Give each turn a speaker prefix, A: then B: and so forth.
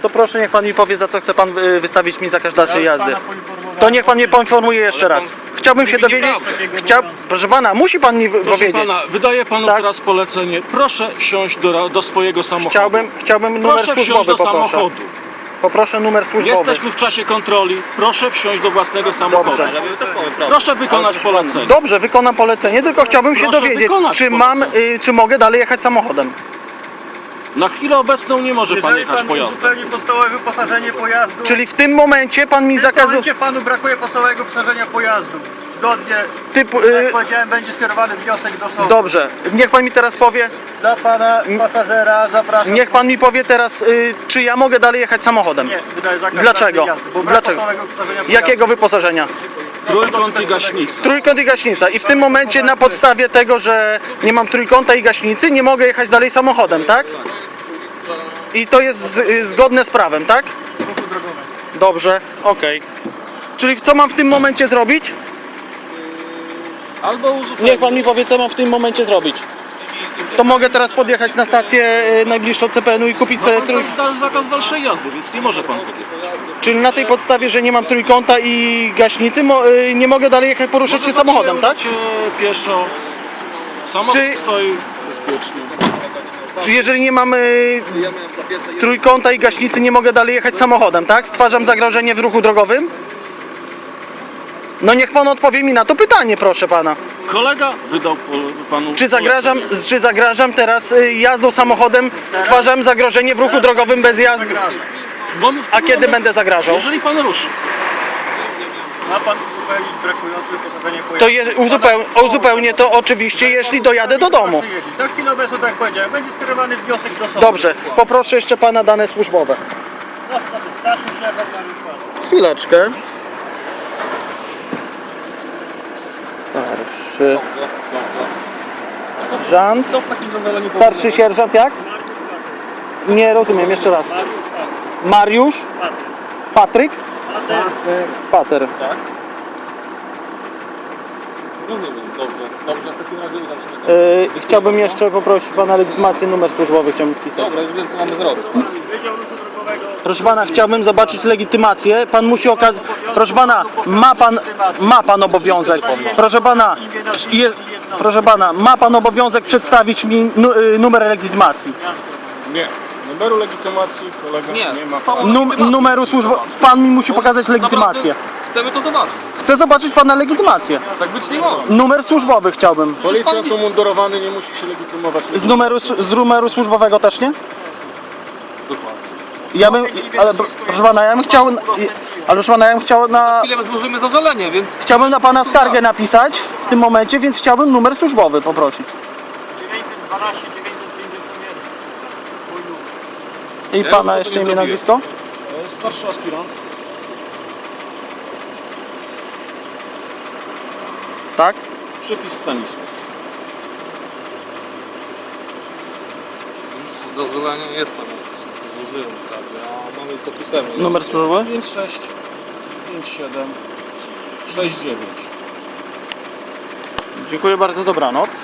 A: To proszę, niech pan mi powie, za co chce pan wystawić mi zakaz dalszej jazdy. To niech pan mnie poinformuje jeszcze raz. Chciałbym się dowiedzieć. Proszę pana, musi pan mi
B: Proszę
A: powiedzieć.
B: pana, wydaję panu
A: Tak?
B: teraz polecenie. Proszę wsiąść do swojego samochodu.
A: Chciałbym numer
B: Proszę wsiąść
A: służbowy,
B: do
A: poproszę.
B: samochodu.
A: Poproszę numer służbowy.
B: Jesteśmy w czasie kontroli. Proszę wsiąść do własnego samochodu.
A: Dobrze.
B: Proszę wykonać polecenie.
A: Dobrze, wykonam polecenie, tylko chciałbym się
B: Proszę
A: dowiedzieć,
B: wykonać
A: czy mogę dalej jechać samochodem.
B: Na chwilę obecną nie może pan
C: Jeżeli
B: jechać
C: pan
B: pojazdem.
C: uzupełni podstawowe wyposażenie pojazdu,
A: Czyli w tym momencie pan mi
C: w tym
A: zakazuje...
C: momencie panu brakuje podstawowego wyposażenia pojazdu. Zgodnie,
A: Typu,
C: jak powiedziałem, będzie skierowany wniosek do sądu.
A: Dobrze, niech pan mi teraz powie,
C: Dla pana pasażera zapraszam.
A: niech pan mi powie teraz, czy ja mogę dalej jechać samochodem.
C: Nie, wydaje zakaz
A: Dlaczego?
C: jazdy, bo brak
A: Dlaczego?
C: podstawowego wyposażenia pojazdu.
A: Jakiego wyposażenia?
B: Trójkąt i gaśnica.
A: Trójkąt i gaśnica. I w tym momencie na podstawie tego, że nie mam trójkąta i gaśnicy, nie mogę jechać dalej samochodem, tak? I to jest zgodne z prawem, tak?
C: Ruchu drogowego.
A: Dobrze, okej. Czyli co mam w tym momencie zrobić?
B: Albo uzupełnić.
A: Niech pan mi powie, co mam w tym momencie zrobić. To mogę teraz podjechać na stację najbliższą CPN-u i kupić sobie trójkąt.
B: Zakaz dalszej jazdy, więc nie może pan podjechać.
A: Czyli na tej podstawie, że nie mam trójkąta i gaśnicy, nie mogę dalej jechać, poruszać się
B: Może
A: samochodem, tak?
B: się pieszo. Samochód
A: Czy-
B: stoi bezpiecznie.
A: Czy jeżeli nie mam trójkąta i gaśnicy, nie mogę dalej jechać samochodem, tak? Stwarzam zagrożenie w ruchu drogowym? No niech pan odpowie mi na to pytanie, proszę pana.
B: Kolega wydał panu
A: Czy zagrażam teraz jazdą samochodem, stwarzam zagrożenie w ruchu drogowym bez jazdy? A kiedy będę zagrażał?
B: Jeżeli pan ruszy.
C: Ma pan uzupełnić brakujące wyposażenie
A: To
C: pojazdu.
A: uzupełnię to oczywiście, jeśli dojadę do domu.
C: Proszę jeździć. Na chwilę obecną, tak jak powiedziałem, będzie skierowany wniosek do sądu.
A: Dobrze, poproszę jeszcze pana dane służbowe.
C: Starszy sierżant Mariusz Pan.
A: Chwileczkę. Starszy sierżant.
C: Co w takim zadaniu
A: Starszy sierżant jak? Nie rozumiem, jeszcze raz. Mariusz? Patryk? Pater.
B: Rozumiem, dobrze, w takim razie udam się do
A: Chciałbym jeszcze poprosić pana legitymację, numer służbowy chciałbym spisać.
B: Dobra, już wiem co mamy zrobić.
C: Wydział Ruchu Drogowego.
A: Proszę pana, chciałbym zobaczyć legitymację. Pan musi okazać. Proszę pana, ma pan obowiązek. Proszę pana, ma pan obowiązek przedstawić mi numer legitymacji.
B: Nie. Numeru legitymacji kolega nie ma.
A: Numeru służbowego. Pan mi musi pokazać legitymację.
B: Chcemy to zobaczyć.
A: Chcę zobaczyć pana legitymację.
B: Tak być nie może.
A: Numer służbowy chciałbym.
B: Policjant umundurowany nie musi się legitymować.
A: Z numeru służbowego też nie?
B: Dokładnie.
A: Ja bym. Ale proszę pana, ja bym chciał. Ale proszę pana, ja bym chciał na.
D: Chwilę złożymy zażalenie, więc
A: Chciałbym na pana skargę napisać w tym momencie, więc chciałbym numer służbowy poprosić.
C: 912 951. Mój numer.
A: I
B: Ja
A: pana
B: już
A: jeszcze
B: sobie
A: imię,
B: zrobiłem.
A: nazwisko?
B: Starszy aspirant.
A: Tak?
B: Przypis Stanisław.
D: już zażalenie jest tam. Złożyłem wprawdzie, a mamy to pisemnie.
A: Numer służbowy?
B: 56 57 69.
A: Dziękuję bardzo, dobranoc.